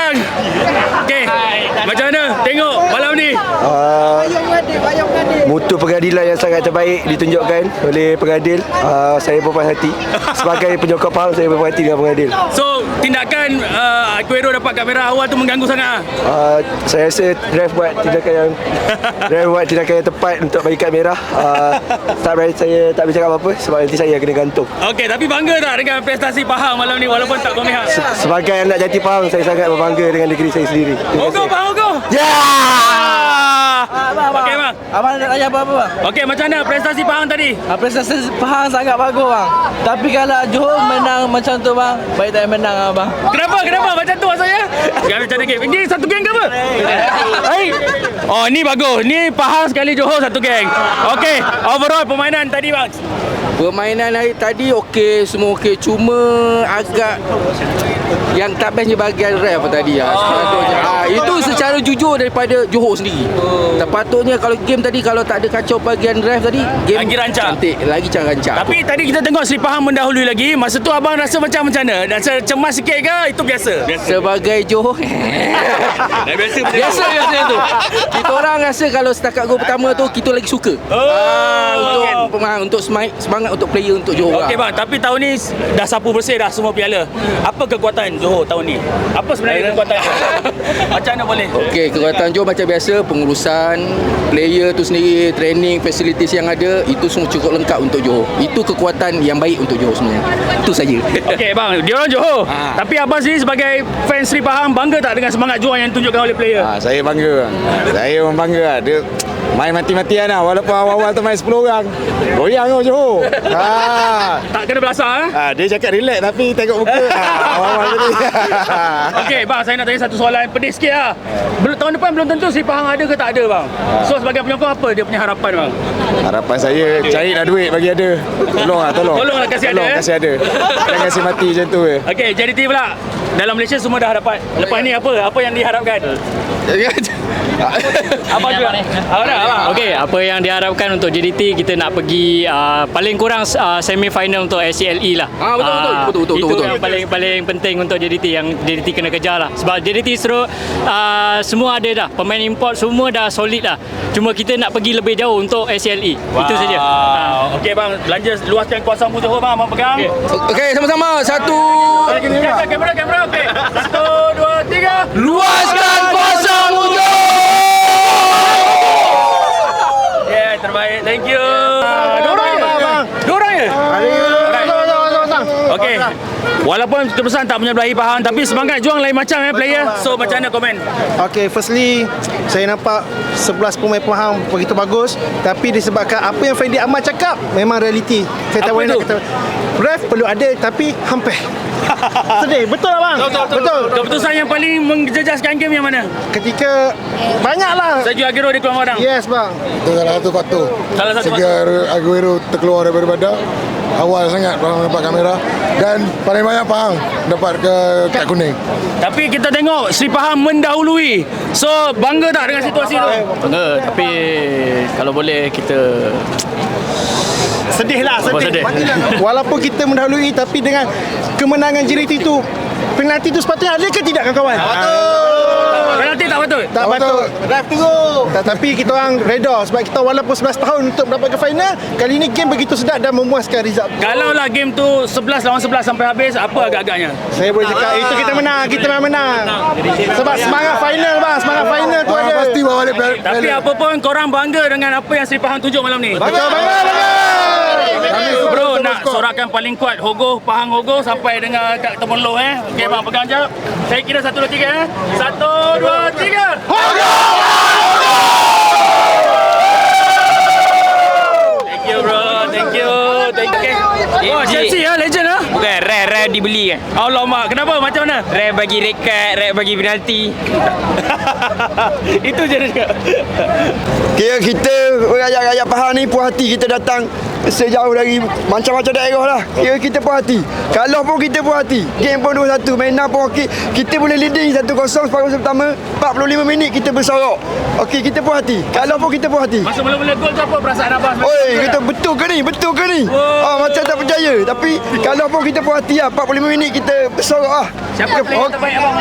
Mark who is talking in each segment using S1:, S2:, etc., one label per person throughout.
S1: bang. Okey. Macam mana tengok malam ni?
S2: Mutu pengadilan yang sangat terbaik ditunjukkan oleh pengadil. Saya berpuas hati. Sebagai penyokong Pahang, saya berpuas hati dengan pengadil.
S1: So, tindakan Aguero dapat kat merah awal tu mengganggu sangat.
S2: Saya rasa ref buat tindakan yang tepat untuk bagi kad merah. Saya tak boleh cakap apa-apa sebab nanti saya kena gantung.
S1: Okey, tapi bangga tak dengan prestasi Pahang malam ni walaupun tak berpihak?
S2: Sebagai anak jati Pahang, saya sangat berbangga dengan negeri saya sendiri.
S1: Ogo bang, Ogo.
S2: Ya!
S1: Okey bang.
S3: Abang nak tanya apa-apa bang?
S1: Okey, macam mana prestasi Pahang tadi?
S3: Prestasi Pahang sangat bagus bang. Tapi kalau Johor menang macam tu bang, baik tak menang abang.
S1: Kenapa macam tu maksudnya? Macam mana game? Ini satu geng ke apa? Hai. Oh, ni bagus. Ni Pahang sekali Johor satu geng. Okey, overall permainan tadi bang.
S3: Permainan hari tadi okey, semua okey. Cuma agak yang tak bestnya bahagian ref tadi lah. Itu secara jujur daripada Johor sendiri. Sepatutnya kalau game tadi kalau tak ada kacau bahagian ref tadi, game
S1: lagi rancang.
S3: Cantik, lagi rancang.
S1: Tapi tadi kita tengok Seri Pahang mendahului lagi. Masa tu abang rasa macam mana? Rasa cemas sikit ke? Itu biasa.
S3: Sebagai Johor biasa tu. Kita orang rasa kalau setakat gol pertama tu kita lagi suka. Untuk semangat untuk player untuk Johor.
S1: Okey bang, tapi tahun ni dah sapu bersih dah semua piala. Apa kekuatan Johor tahun ni? Apa sebenarnya kekuatan Johor? Macam mana boleh?
S3: Okey, kekuatan Johor macam biasa, pengurusan player tu sendiri, training, facilities yang ada, itu semua cukup lengkap untuk Johor. Itu kekuatan yang baik untuk Johor sebenarnya. Itu saja.
S1: Okey bang, dia orang Johor. Tapi abang sendiri sebagai fans Seri Pahang bangga tak dengan semangat juang yang ditunjukkan oleh player?
S4: Saya bangga. Saya memang bangga. Dia main mati-matian lah. Walaupun awal-awal tu main 10 orang. Goyang tu Johor.
S1: Tak kena belasah.
S4: Dia cakap relax tapi tengok muka. Awal-awal tadi.
S1: Okey bang, saya nak tanya satu soalan pedih sikit lah. Tahun depan belum tentu Seri Pahang ada ke tak ada bang. So sebagai penyokong apa dia punya harapan bang?
S4: Harapan saya carilah duit bagi ada. Tolong.
S1: Tolonglah kasih ada.
S4: Kasih ada. Jangan kasih mati macam tu.
S1: Okey, JDT pula. Dalam Malaysia semua dah dapat. Lepas ni apa yang diharapkan? Apa juga?
S5: Okey, apa yang diharapkan untuk JDT, kita nak pergi paling kurang semi final untuk SCLE lah.
S3: Betul.
S5: Itu yang paling penting untuk JDT, yang JDT kena kejar lah. Sebab JDT semua ada dah, pemain import semua dah solid lah. Cuma kita nak pergi lebih jauh untuk SCLE. Itu saja.
S1: Okey bang, belanja luaskan kuasamu Johor bang, abang pegang.
S3: Okey, sama-sama.
S1: Kamera okey. 1, 2, 3.
S3: Luaskan kuasamu Johor.
S1: Terbaik, thank you. Dorang ya? Okey. Walaupun keputusan tak menyebelahi Pahang, tapi semangat juang lain macam player. So macam mana komen?
S6: Okay, firstly saya nampak 11 pemain Pahang begitu bagus, tapi disebabkan apa yang Fendi Ahmad cakap memang realiti. Saya tak boleh nak kata ref perlu ada, tapi hampir sedih. Betul lah bang? Betul.
S1: Keputusan yang paling menjejaskan game yang mana?
S6: Ketika banyaklah
S1: Sergio Aguero dia keluar orang.
S6: Yes bang.
S4: Itu salah satu faktor. Sergio Aguero terkeluar daripada badan. Awal sangat Pahang dapat kamera. Dan paling banyak Pahang dapat kad kuning.
S1: Tapi kita tengok Seri Pahang mendahului. So bangga tak dengan situasi tu?
S5: Bangga, tapi kalau boleh kita
S6: Sedih. Walaupun kita mendahului, tapi dengan kemenangan JDT itu, penalti itu sepatutnya ada ke tidak kawan-kawan?
S1: Penalti tak patut?
S6: Tak patut. Ref tunggu. Tapi kita orang reda sebab kita walaupun 11 tahun untuk mendapatkan final, kali ini game begitu sedap dan memuaskan result.
S1: Kalau lah game tu 11 lawan 11 sampai habis, apa agak-agaknya?
S6: Saya boleh cakap itu kita menang, menang. Sebab semangat final bang, semangat final tu ada.
S4: Pasti bawa balik.
S1: Tapi apa pun korang bangga dengan apa yang Seri Pahang tunjuk malam ni?
S6: Bangga.
S1: Bro, nak sorakan paling kuat Hogo, Pahang Hogo sampai dengan kat Temenloh Okey bang, pegang jap. Saya kira 1, 2, 3 1, 2, 3. Hogo! Thank you bro, thank you. Oh, Chelsea legend
S7: Bukan, rare dibeli kan.
S1: Alamak, kenapa? Macam mana?
S7: Rare bagi red card, rare bagi penalti.
S1: Itu je dia cakap.
S2: Kira kita rakyat-rakyat Pahang ni puas hati kita datang sejauh dari macam-macam daerah lah. Kira kita puas hati. Kalau pun kita puas hati. Game pun 2-1, mainan pun okey. Kita boleh leading 1-0 separuh pertama. 45 minit kita bersorok. Okey, kita puas hati. Kalau pun kita puas hati.
S1: Masa mula-mula gol tu apa perasaan abang?
S2: Oi, kita betul ke ni? Betul ke ni? Macam tak percaya. Tapi kalau pun kita puas hati lah, 45 minit kita bersorok lah.
S1: Siapa player terbaik abang?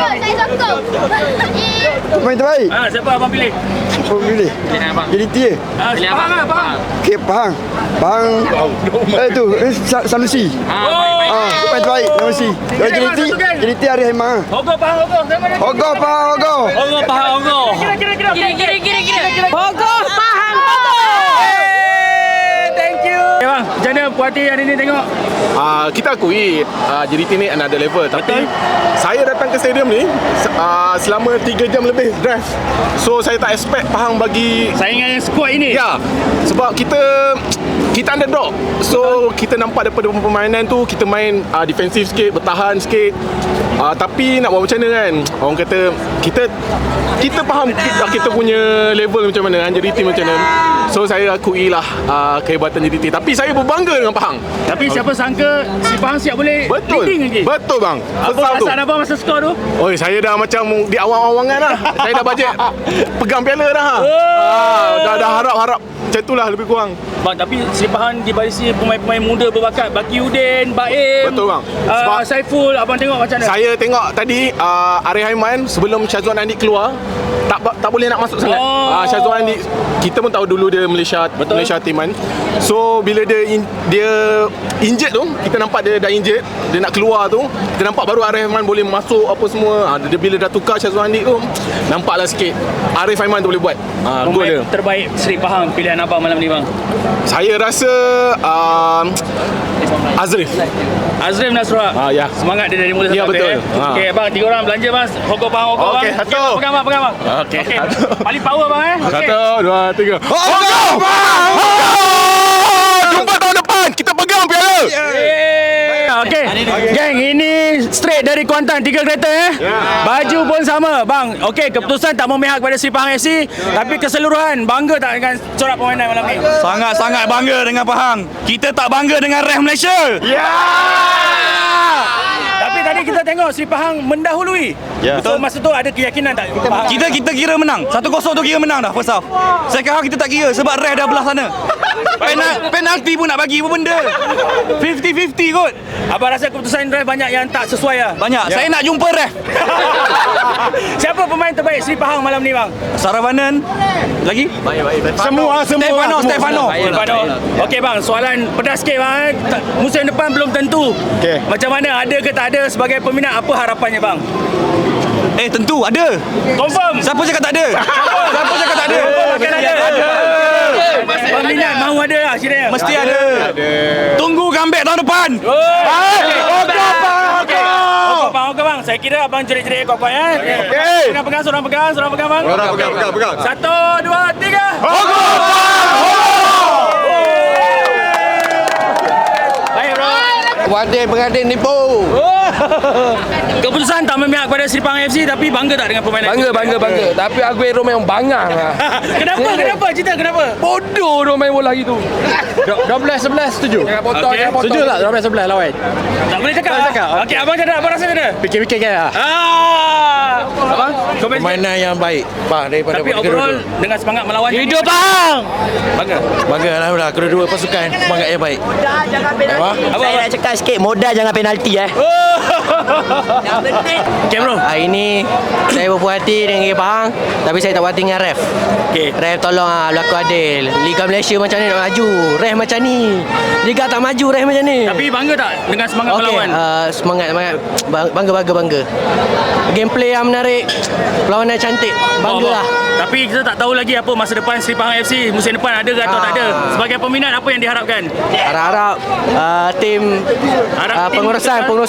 S2: Main terbaik.
S1: Siapa abang pilih?
S2: Apa pilih? Jadi dia.
S1: Fahang lah, Fahang.
S2: Okey, Pahang. Tu, Sanusi. Main terbaik, Sanusi. Jadi dia Arif Haiman.
S1: Hogo, Fahang, Hogo.
S2: Hogo, Pahang, Hogo.
S1: Hogo, Fahang, Hogo. Kira.
S8: Hogo, Fahang, Hogo.
S1: Thank you. Okay, bang, macam mana puas hati hari ni tengok?
S9: Kita akui JDT ni another level. Tapi saya datang ke stadium ni selama 3 jam lebih drive. So saya tak expect Pahang bagi
S1: Saingan yang squad ini.
S9: ya. Sebab kita underdog. So kita nampak daripada permainan tu kita main defensif sikit, bertahan sikit. Tapi nak buat macam mana kan? Orang kata kita faham kita punya level macam mana kan, JDT macam mana. So saya akui lah kehebatan JDT. Tapi saya berbangga dengan Pahang.
S1: Tapi siapa sangka si Pahang siap boleh leading lagi.
S9: Betul bang.
S1: Apa perasaan abang masa skor tu?
S9: Oi, saya dah macam di awang-awangan dah. Saya dah bajet pegang piala dah. Dah harap-harap macam itulah lebih kurang.
S1: Bang, tapi Sri Pahang dibarisi pemain-pemain muda berbakat. Bakiuddin, Baim.
S9: Betul bang. Sebab
S1: Saiful, abang tengok macam mana?
S9: saya tengok tadi Arif Haiman sebelum Syazwan Andik keluar tak boleh nak masuk sangat. Syazwan Andik kita pun tahu dulu dia Malaysia Timan. So bila dia injured tu, kita nampak dia dah injured, dia nak keluar tu, kita nampak baru Arif Haiman boleh masuk apa semua. Dia bila dah tukar Syazwan Andik tu, nampaklah sikit Arif Haiman tu boleh buat gol dia.
S1: Terbaik Sri Pahang pilihan abang malam ni bang?
S9: Saya rasa Azrif
S1: Nasrullah.
S9: Ya.
S1: Semangat dia dari mula
S9: Ya,
S1: sampai
S9: betul.
S1: Okey bang, 3 orang belanja bang. Hogo Pahang, Hogo bang.
S9: Okey, satu.
S1: Pegang bang.
S9: Okey.
S1: Paling power bang Okey.
S9: 1, 2, 3. Jumpa tahun depan kita pegang piala.
S1: Okey. Geng, ini straight dari Kuantan, 3 kereta Baju pun sama bang. Okey, keputusan tak memihak kepada Sri Pahang FC, tapi keseluruhan bangga tak dengan corak permainan malam ni?
S10: Sangat-sangat bangga dengan Pahang. Kita tak bangga dengan Ref Malaysia.
S1: Tapi tadi kita tengok Sri Pahang mendahului. So masa tu ada keyakinan tak?
S10: Kita kira menang. 1-0 tu kira menang dah first half. Second half kita tak kira sebab Ref dah belah sana. Penalti pun nak bagi apa benda. 50-50 kot.
S1: Abang rasa keputusan Ref banyak yang tak sesuai lah?
S10: Banyak. Saya nak jumpa Ref.
S1: Siapa pemain terbaik Sri Pahang malam ni bang?
S10: Saravanan. Lagi?
S9: Semua
S10: Stefano.
S1: Okey bang, soalan pedas sikit bang. Musim depan belum tentu.
S9: Okey.
S1: Macam mana, ada ke tak ada sebagai peminat, apa harapannya bang?
S10: Tentu ada.
S1: Confirm.
S10: Siapa cakap tak ada? Siapa cakap tak ada?
S1: Akan ada. Peminat mahu ada lah kiranya.
S10: Mesti ada. Tunggu comeback tahun depan.
S1: Okey bang. Saya kira abang jerit-jerit kau ya. Pegang, seorang pegang bang.
S9: Pegang.
S1: 1, 2, 3. Baik bro.
S3: Beradin nipu.
S1: Keputusan tak memihak kepada Sri Pahang FC, tapi bangga tak dengan permainan?
S3: Bangga. Tapi Aguero memang bangang lah.
S1: Kenapa? Cerita kenapa?
S3: Bodoh dia main bola gitu. 12-11 setuju. Jangan potong. Setuju tak 12-11 lawan?
S1: Tak boleh cakap. Okey, abang cakap apa rasa dia?
S3: Fikir-fikir kan lah.
S1: Abang,
S3: Permainan yang baik daripada
S1: tapi overall dengan semangat melawan.
S3: Hidup bang.
S10: Bangga alhamdulillah kedua-dua pasukan semangat yang baik.
S8: Saya nak cakap sikit, modal jangan penalti
S1: Okey bro.
S8: Hari ni saya berpuas hati dengan Pahang, tapi saya tak puas hati dengan Ref.
S1: Okey.
S8: Ref tolong berlaku adil. Liga Malaysia macam ni nak maju, Ref macam ni. Liga tak maju, Ref macam ni.
S1: Tapi bangga tak dengan semangat melawan?
S8: Semangat bangga. Gameplay yang menarik, perlawanan cantik, bangga lah.
S1: Tapi kita tak tahu lagi apa masa depan Sri Pahang FC musim depan, ada ke atau tak ada. Sebagai peminat, apa yang diharapkan?
S8: Harap-harap tim pengurusan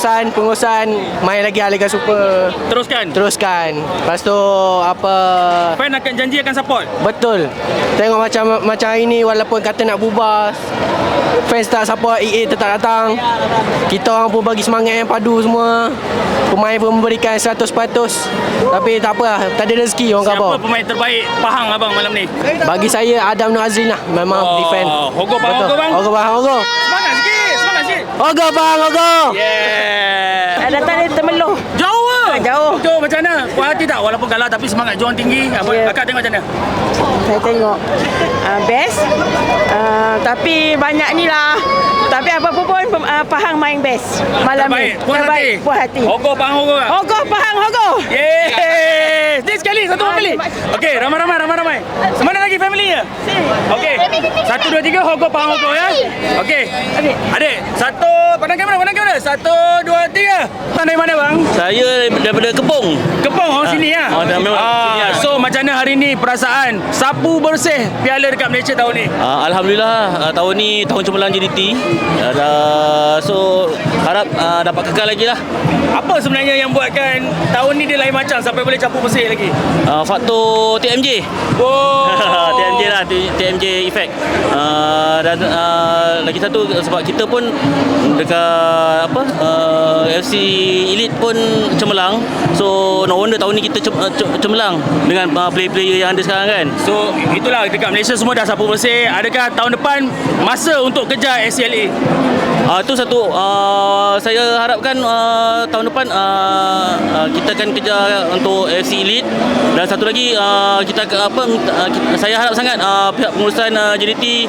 S8: kepengurusan main lagi Liga Super.
S1: Teruskan.
S8: Lepas tu apa,
S1: Fan akan janji akan support.
S8: betul. Tengok macam hari ni walaupun kata nak bubar, fans tak support, EA tetap datang. Kita orang pun bagi semangat yang padu semua. Pemain pun memberikan 100%. Tapi tak apa lah, tak ada rezeki orang kata.
S1: Siapa pemain terbaik Pahang abang malam ni?
S8: Bagi saya Adam Nur Azrin lah. Memang defend.
S1: Hogo Pahang,
S8: Betul.
S1: Hogo bang.
S8: Hogo.
S1: Semangat sikit.
S8: Hogo bang, Hogo.
S1: Yeah.
S11: Datang dia termeluh.
S1: Jauh ah.
S11: Jauh.
S1: Macam mana? Puas hati tak? Walaupun kalah tapi semangat juang tinggi. Akak tengok macam mana?
S11: Saya tengok best. Tapi banyak ni lah. Tapi apa pun Pahang main best malam ni.
S1: Terbaik.
S11: Puas hati.
S1: Hogo Pahang, Hogo.
S11: Hogo Pahang, Hogo.
S1: Yeay. Ni sekali, satu family. Okey, ramai. Semana lagi family ya? Okey. 1, 2, 3 Hogo Pahang, Hogo ya. Okey. Adik, satu pandang kamera. 1, 2, 3. Dari mana bang?
S12: Saya daripada Kepong.
S1: Orang sini ya. So macam mana hari ni perasaan sapu bersih piala dekat Malaysia tahun ni?
S12: Alhamdulillah tahun ni tahun cemerlang JDT. So harap dapat kekal lagi lah.
S1: Apa sebenarnya yang buatkan tahun ni dia lain macam sampai boleh sapu bersih lagi?
S12: Faktor TMJ. TMJ lah, TMJ effect. Dan lagi satu sebab kita pun dekat FC Elite pun cemerlang. So no wonder tahun ni kita cemerlang dengan player-player yang ada sekarang kan.
S1: So itulah dekat Malaysia semua dah sapu bersih. Adakah tahun depan masa untuk kejar SCLA?
S12: Itu satu saya harapkan tahun depan kita akan kejar untuk FC Elite. Dan satu lagi saya harap sangat pihak pengurusan JDT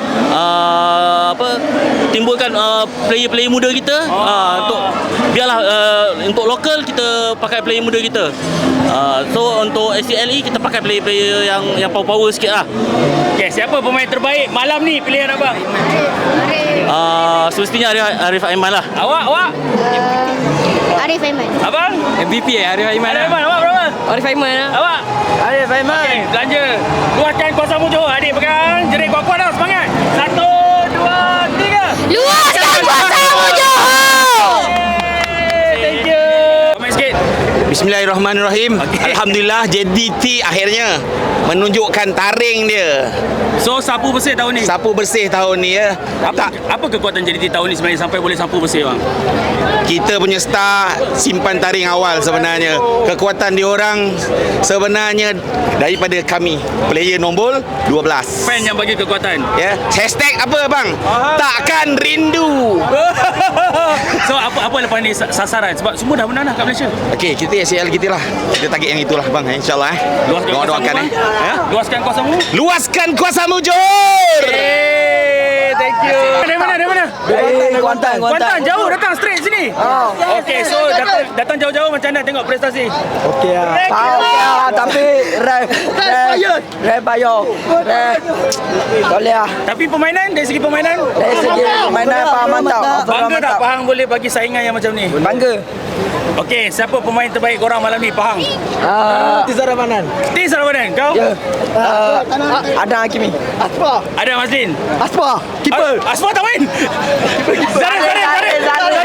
S12: timbulkan player-player muda kita untuk biarlah untuk lokal kita pakai player muda kita. So untuk SCLE kita pakai player-player yang power-power sikit lah.
S1: Okay, siapa pemain terbaik malam ni pilihan abang?
S12: Semestinya Arif Aiman lah.
S1: Awak?
S11: Arif Aiman.
S1: Abang?
S12: MVP Arif Aiman lah.
S1: Awak berapa?
S8: Arif Aiman lah.
S1: Awak?
S8: Arif Aiman.
S1: Okay, belanja. Luaskan kuasamu Johor. Adik pegang. Jerit kuat-kuat dah. Semangat. 1, 2, 3.
S11: Luaskan kuasamu Johor.
S1: Thank you. Komen sikit.
S13: Bismillahirrahmanirrahim. Alhamdulillah JDT akhirnya menunjukkan taring dia.
S1: So sapu bersih tahun ni.
S13: Sapu bersih tahun ni ya.
S1: Apa kekuatan JDT tahun ni sebenarnya sampai boleh sapu bersih bang?
S13: Kita punya star simpan taring awal sebenarnya. Kekuatan diorang sebenarnya daripada kami player nombor 12.
S1: Fan yang bagi kekuatan.
S13: Ya. Hashtag apa bang? Takkan rindu.
S1: So apa lepas ni sasaran? Sebab semua dah menang dah kat Malaysia.
S13: Okey, kita ACL kita lah. Kita target yang itulah bang, insya-Allah. Doakan
S1: Luaskan kuasamu.
S13: Luaskan kuasamu Johor.
S1: Thank you. Dari mana?
S8: Dari Kuantan.
S1: Jauh datang straight sini. Okey, so datang jauh-jauh macam mana tengok prestasi?
S8: Okey lah. Tapi ref bayar. Boleh lah.
S1: Tapi permainan dari segi permainan?
S8: Dari segi permainan Pahang mantap.
S1: Bangga tak Pahang boleh bagi saingan yang macam ni?
S8: Bangga.
S1: Okey, siapa pemain terbaik korang malam ni Pahang?
S8: Tizar Ramadan.
S1: Kau?
S8: Ya. Ada Hakimi.
S1: Ada Mazlin.
S8: Aspa. Keeper.
S1: Asma tak main. Zarif.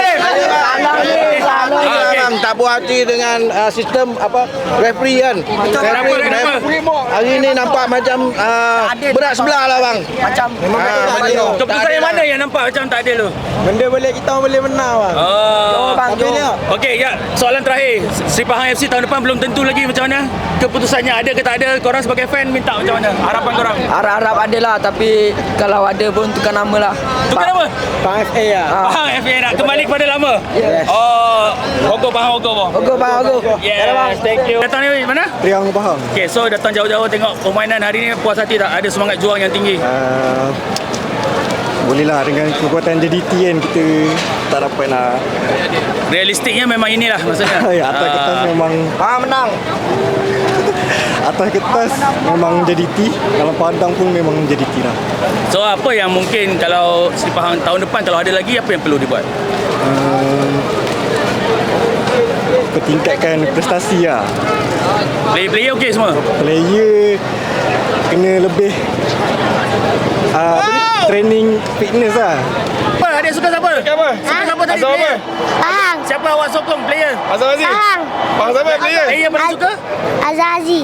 S6: Memang tak puas hati dengan sistem referee kan.
S1: Kenapa?
S6: Hari ni nampak macam berat sebelah lah bang.
S8: Macam
S1: Keputusan yang mana yang nampak macam tak adil tu?
S6: Benda kita boleh menang bang.
S1: Okey, ya. Soalan terakhir. Sri Pahang FC tahun depan belum tentu lagi macam mana? Keputusannya ada ke tak ada? Korang sebagai fan minta macam mana? Harapan korang?
S8: harap ada lah. Tapi kalau ada pun tukar nama lah.
S1: Tukar nama?
S6: Pahang FA lah.
S1: Pahang FA nak kembali kepada lama?
S8: Yes.
S1: Hogo Pahang Hogo. Yes, thank you. Datang ni mana?
S6: Riang Pahang.
S1: Okay, so datang jauh-jauh tengok permainan hari ni puas hati tak? Ada semangat juang yang tinggi?
S6: Bolehlah dengan kekuatan JDT kan kita tak dapat nak.
S1: Realistiknya memang inilah maksudnya.
S6: Atas kertas memang
S8: Pahang menang.
S6: atas kertas memang JDT, dalam padang pun memang JDT lah.
S1: So apa yang mungkin kalau Sri Pahang tahun depan kalau ada lagi apa yang perlu dibuat?
S6: Tingkatkan prestasi lah.
S1: Player okey semua?
S6: Player kena lebih apa ni? training fitness lah.
S1: Apa adik suka siapa? Suka siapa tadi?
S9: Azam apa?
S1: Player? Siapa awak sokong player?
S9: Azam Aziz. Faham siapa player?
S1: Player yang paling suka?
S14: Azazi.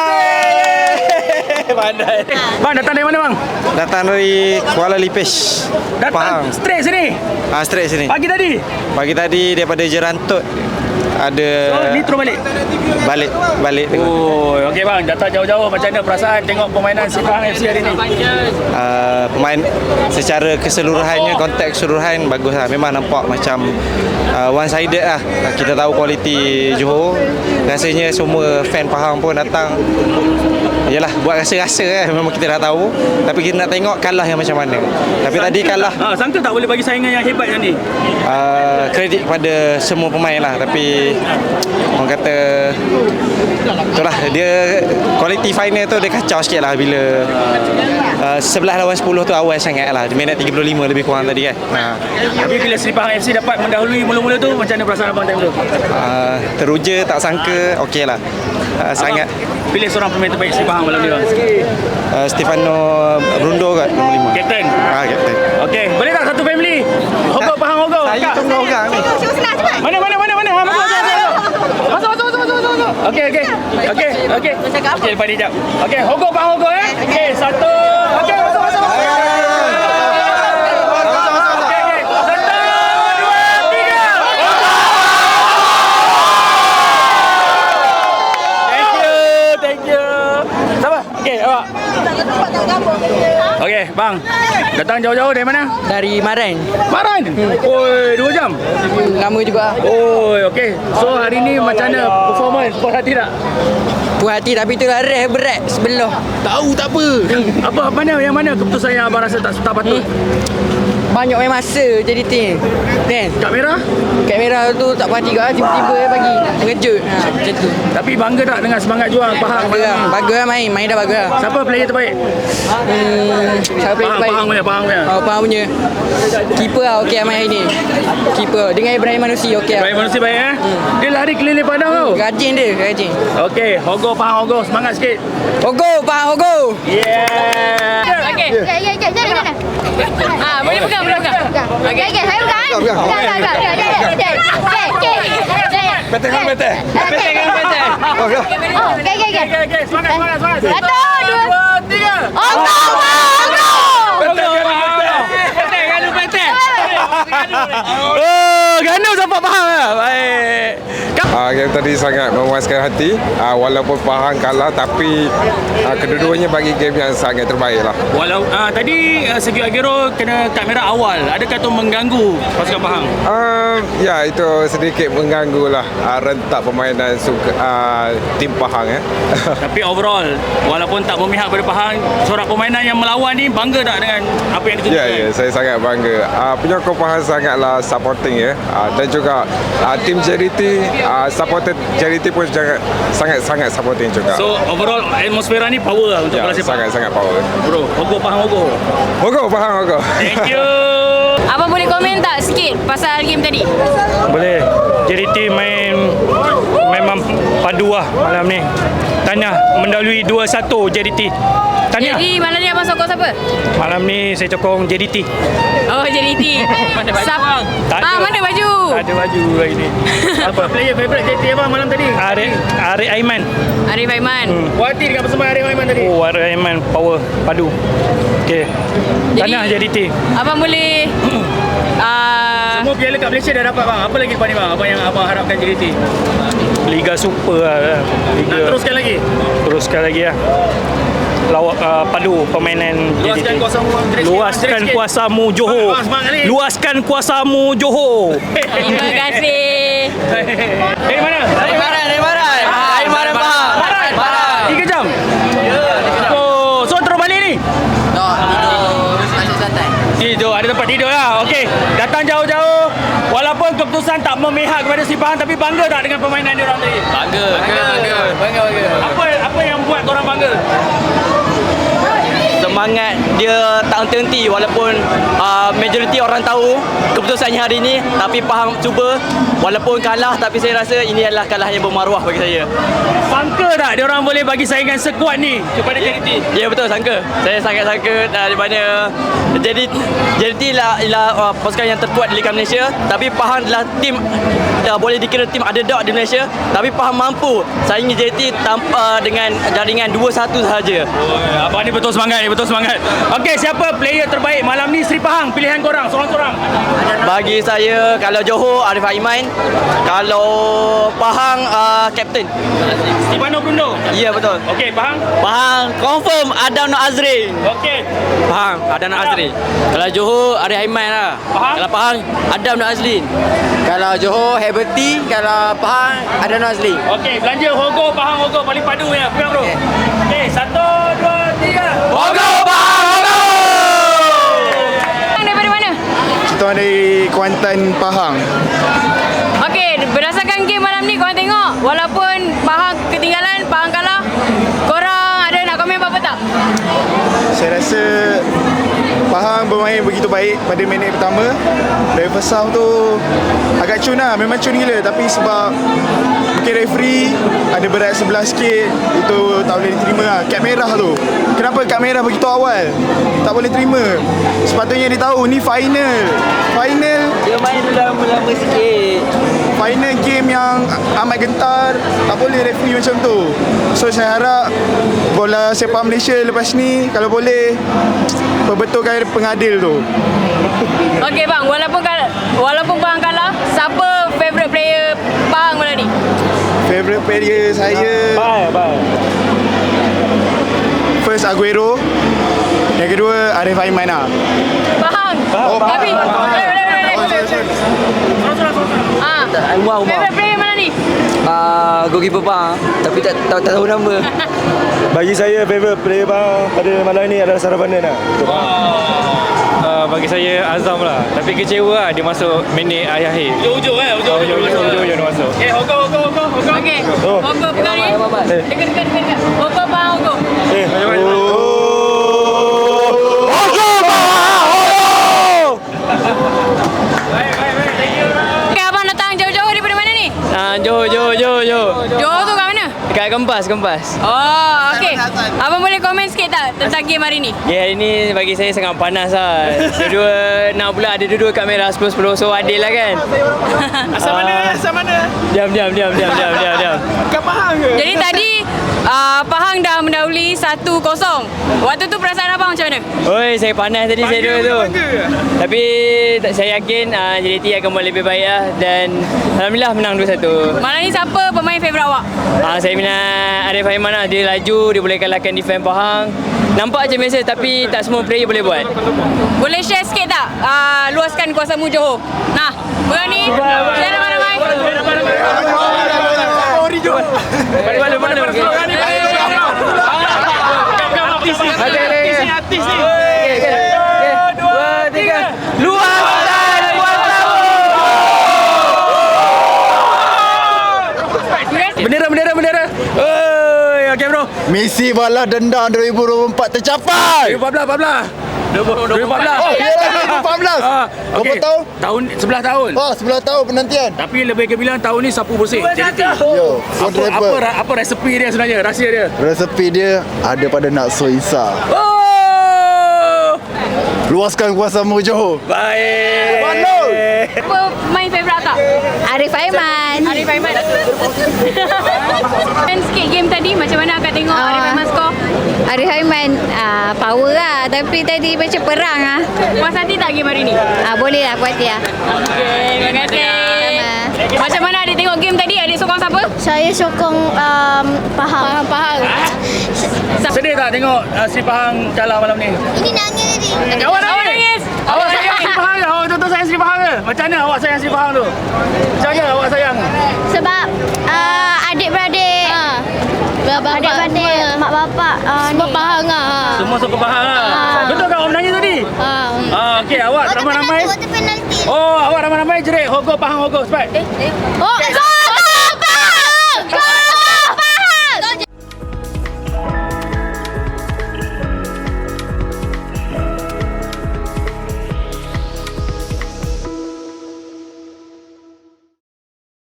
S1: Pandai. Bang datang dari mana bang?
S6: Datang dari Kuala Lipis.
S1: Datang straight sini.
S6: Straight sini.
S1: Pagi tadi.
S6: Pagi tadi daripada Jerantut ada
S1: Ni terus
S6: balik tengok.
S1: Oh, okey bang, datang jauh-jauh macam mana perasaan tengok permainan Sepahang FC hari ni?
S6: Pemain secara keseluruhannya, konteks keseluruhan bagus lah. Memang nampak macam one sided lah. Kita tahu kualiti Johor. Rasanya semua fan Pahang pun datang. Yalah, buat rasa-rasa memang kita dah tahu. Tapi kita nak tengok kalah yang macam mana. Tapi tadi kalah.
S1: Sangka tak boleh bagi saingan yang hebat yang ni?
S6: Kredit kepada semua pemain lah. Tapi orang kata itulah, dia quality final tu dia kacau sikit lah bila 11 lawan 10 tu awal sangat lah. Minit 35 lebih kurang tadi kan.
S1: Tapi bila Sepahang FC dapat mendahului mula-mula tu, macam mana perasaan abang time tu?
S6: Teruja, tak sangka, okey lah. Sangat.
S1: Pilih seorang pemain terbaik Sepahang malam ni bang.
S6: Stefano Brundo kat nombor 5.
S1: Kapten?
S6: Kapten.
S1: Okey, boleh tak satu family? Hogok Pahang Hogok.
S6: Saya tunggu orang ni.
S1: Mana? Masuk. Okey. Okey, lepas ni jap. Okey, Hogok Pahang Hogok Okey, satu. Okey, masuk. Okey, bang. Datang jauh-jauh dari mana?
S8: Dari Maran.
S1: Maran? Oi, 2 jam.
S8: Lama juga.
S1: Oi, okey. So hari ni macam mana performance? Puas hati tak?
S8: Puas hati tapi itulah reh berat sebelah.
S1: Tahu tak apa. Apa yang mana keputusan yang abang rasa tak patut?
S8: Banyak main masa jadi tim. Kan?
S1: Kad merah
S8: tu tak puas hati juga tiba-tiba bagi. Mengejut. Macam tu.
S1: Tapi bangga tak dengan semangat juang Pahang?
S8: Bagus lah main dah bagus lah.
S1: Siapa player terbaik?
S8: Siapa player terbaik?
S1: Pahang punya.
S8: Pahang punya. Keeper lah okey main hari ni. Keeper dengan Ibrahim Manusi okey.
S1: Ibrahim Manusi baik Dia lari keliling padang tau.
S8: Rajin.
S1: Okey, Hogok Pahang Hogok, semangat sikit.
S8: Hogok Pahang Hogok.
S14: Okey. Jadi mana? Boleh pegang. Okey, saya pegang.
S1: Betul.
S14: Okey.
S1: Semangat.
S14: 1, 2, 3.
S1: Ganda sampai Pahang lah. Baik.
S15: Game tadi sangat memuaskan hati. Walaupun Pahang kalah, tapi kedua-duanya bagi game yang sangat terbaik lah.
S1: Tadi Sergio Aguero kena kad merah awal. Adakah itu mengganggu pasukan Pahang?
S15: Ya, itu sedikit mengganggu lah rentak permainan tim Pahang.
S1: Tapi overall, walaupun tak memihak pada Pahang, sorak permainan yang melawan ni bangga tak dengan apa yang ditunjukkan?
S15: Ya, saya sangat bangga. Penyokong Pahang sangatlah supporting dan juga tim JDT, supporter JDT pun sangat supporting juga.
S1: So overall atmosfera ni power lah untuk Malaysia.
S15: Sangat power.
S1: Bro, Hogok Pahang Hogok.
S15: Hogok Pahang Hogok.
S1: Thank you.
S14: Abang boleh komen tak sikit pasal game tadi?
S16: Boleh. JDT memang padu lah malam ni. Tahniah mendahului 2-1 JDT. Tahniah.
S14: Jadi malam ni abang sokong siapa?
S16: Malam ni saya sokong JDT.
S14: Oh, JDT.
S1: Mana baju bang?
S14: Mana baju?
S16: Tak ada baju hari ni.
S1: Apa player favourite JDT abang malam tadi?
S16: Arif Aiman.
S14: Arif Aiman.
S1: Puas hati dengan persembahan Arif Aiman tadi?
S16: Oh, Arif Aiman power padu. Okey. Tahniah JDT.
S14: Abang boleh
S1: semua piala kat Malaysia dah dapat bang. Apa lagi lepas ni bang? Apa yang abang harapkan JDT?
S16: Liga Super lah.
S1: Nak teruskan lagi?
S16: Teruskan lagi lah. Padu permainan
S1: Luaskan
S16: JDT.
S1: kuasamu.
S16: Luaskan kuasamu Johor. Luaskan kuasamu Johor.
S14: Terima kasih.
S1: Dari mana?
S8: Dari Maran Pahang.
S1: 3 jam? Oh, so terus balik ni? Tidur, ada tempat tidur lah. Okey, datang jauh-jauh. Walaupun keputusan tak memihak kepada Sepahang, tapi bangga tak dengan permainan dia orang tadi? Bangga. Apa yang buat korang bangga?
S8: Semangat dia tak henti-henti walaupun majoriti orang tahu keputusannya hari ni, tapi Pahang cuba walaupun kalah, tapi saya rasa ini adalah kalah yang bermaruah bagi saya.
S1: Sangka tak tak dia orang boleh bagi saingan sekuat ni kepada JDT?
S17: Ya betul, sangka. Saya sangat sangka di mana JDT ialah pasukan yang terkuat di Liga Malaysia, tapi Pahang adalah tim boleh dikira tim underdog di Malaysia, tapi Pahang mampu saingi JDT tanpa dengan jaringan 2-1 sahaja.
S1: Abang ni betul semangat ni, betul semangat. Okey, siapa player terbaik malam ni Seri Pahang? Pilihan korang, seorang-seorang.
S17: Bagi saya, kalau Johor, Arif Aiman. Kalau Pahang, Kapten
S1: Stefano Bruno.
S17: Ya betul.
S1: Okey, Pahang?
S17: Pahang confirm Adam Nur Azri.
S1: Okey.
S17: Pahang Adam Nur Azri. Kalau Johor, Arif Aiman lah.
S1: Pahang?
S17: Kalau Pahang, Adam Nur Azli.
S3: Kalau Johor, Heberty. Kalau Pahang, ada Nazli.
S1: Okey, belanja Hogo, Pahang Hogo paling padu ya. Pegang bro. Okey, 1, 2, 3. Hogo Pahang Hogo.
S14: Daripada mana?
S2: Kita dari Kuantan, Pahang.
S14: Okey, berdasarkan game malam ni korang tengok, walaupun Pahang ketinggalan, Pahang kalah, korang ada nak komen apa-apa tak?
S2: Saya rasa Pahang bermain begitu baik pada minit pertama. Dari first half tu agak cun lah, memang cun gila. Tapi sebab mungkin referee ada berat sebelah sikit, itu tak boleh diterima lah. Kad merah tu, kenapa kad merah begitu awal? Tak boleh terima. Sepatutnya dia tahu ni final.
S17: Dia main lama-lama sikit.
S2: Final game yang amat gentar, tak boleh referee macam tu. So saya harap bola sepak Malaysia lepas ni kalau boleh perbetulkan pengadil tu.
S14: Okey bang, walaupun Pahang kalah, siapa favourite player Pahang malam ni?
S2: Favourite player saya first Aguero, yang kedua Arif Aiman lah.
S14: Pahang. Tapi favourite player mana ni?
S17: Goalkeeper Pahang, tapi tak tahu nama.
S6: Bagi saya favourite player Pahang pada malam ni adalah Saravanan lah.
S16: Bagi saya Azam lah. Tapi kecewa lah dia masuk minit akhir.
S1: Hujung
S16: Hujung dia masuk.
S1: Hogo.
S14: Okey. Hogo pegang ni. Dekat. Hogo Pahang Hogo. Okey, abang datang jauh-jauh daripada mana ni?
S17: Johor.
S14: Johor tu kat mana?
S17: Dekat Kempas.
S14: Oh, okey. Abang boleh komen sikit tak tentang game hari ni?
S17: Ya, hari ni bagi saya sangat panas lah. Dua-dua nak pula ada dua-dua kamera 10-10, so adil lah kan.
S1: Asal mana?
S17: Diam.
S1: Kat Pahang ke?
S14: Jadi tadi Pahang dah mendahului 1-0. Waktu tu perasaan abang macam mana?
S17: Oi, saya panas tadi saya dua tu. Tapi saya yakin JDT akan buat lebih baik lah, dan alhamdulillah menang 2-1.
S14: Malam ni siapa pemain favourite awak?
S17: Saya minat Arif Aiman lah. Dia laju, dia boleh kalahkan defend Pahang. Nampak je biasa, tapi tak semua player boleh buat.
S14: Boleh share sikit tak? Luaskan kuasamu Johor. Nah, pegang ni. Share ramai-ramai.
S1: Artis ni.
S17: 2, 3. Luaskan kuasamu.
S1: Bendera. Oi, okey bro.
S2: Misi balas dendam 2024 tercapai.
S1: 2014.
S2: Oh, iyalah 2014. Berapa tahun?
S1: Tahun 11 tahun.
S2: Oh, 11 tahun penantian.
S1: Tapi lebih kebilang tahun ni sapu bersih JDT.
S2: Yo, for driver.
S1: Apa resepi dia sebenarnya? Rahsia dia?
S2: Resepi dia ada pada Nakso Isa.
S1: Oh!
S2: Luaskan kuasamu Johor.
S1: Baik.
S14: Apa main favourite tak?
S18: Arif Aiman.
S14: Dan sikit game tadi, macam mana akak tengok Arif Aiman skor?
S18: Arif Aiman power lah, tapi tadi macam perang lah.
S14: Puas hati tak game hari ni?
S18: Boleh lah, puas hati lah.
S14: Okay, terima kasih. Macam mana adik tengok game tadi? Adik sokong siapa?
S18: Saya sokong Pahang.
S1: Sedih tak tengok Seri Pahang kalah malam ni?
S18: Ini nangis tadi.
S1: Awak nangis? Awak sayang Seri Pahang ke? Awak betul-betul sayang Seri Pahang ke? Macam mana awak sayang Seri Pahang tu? Macam mana awak sayang?
S18: Sebab adik-beradik. Adik-beradik, mak bapak semua Pahang lah.
S1: Semua sokong Pahang lah. Betul tak awak menangis tadi? Okey, awak ramai-ramai. Oh, awak ramai-ramai jerit Hogo Pahang Hogo, cepat.
S18: Oh,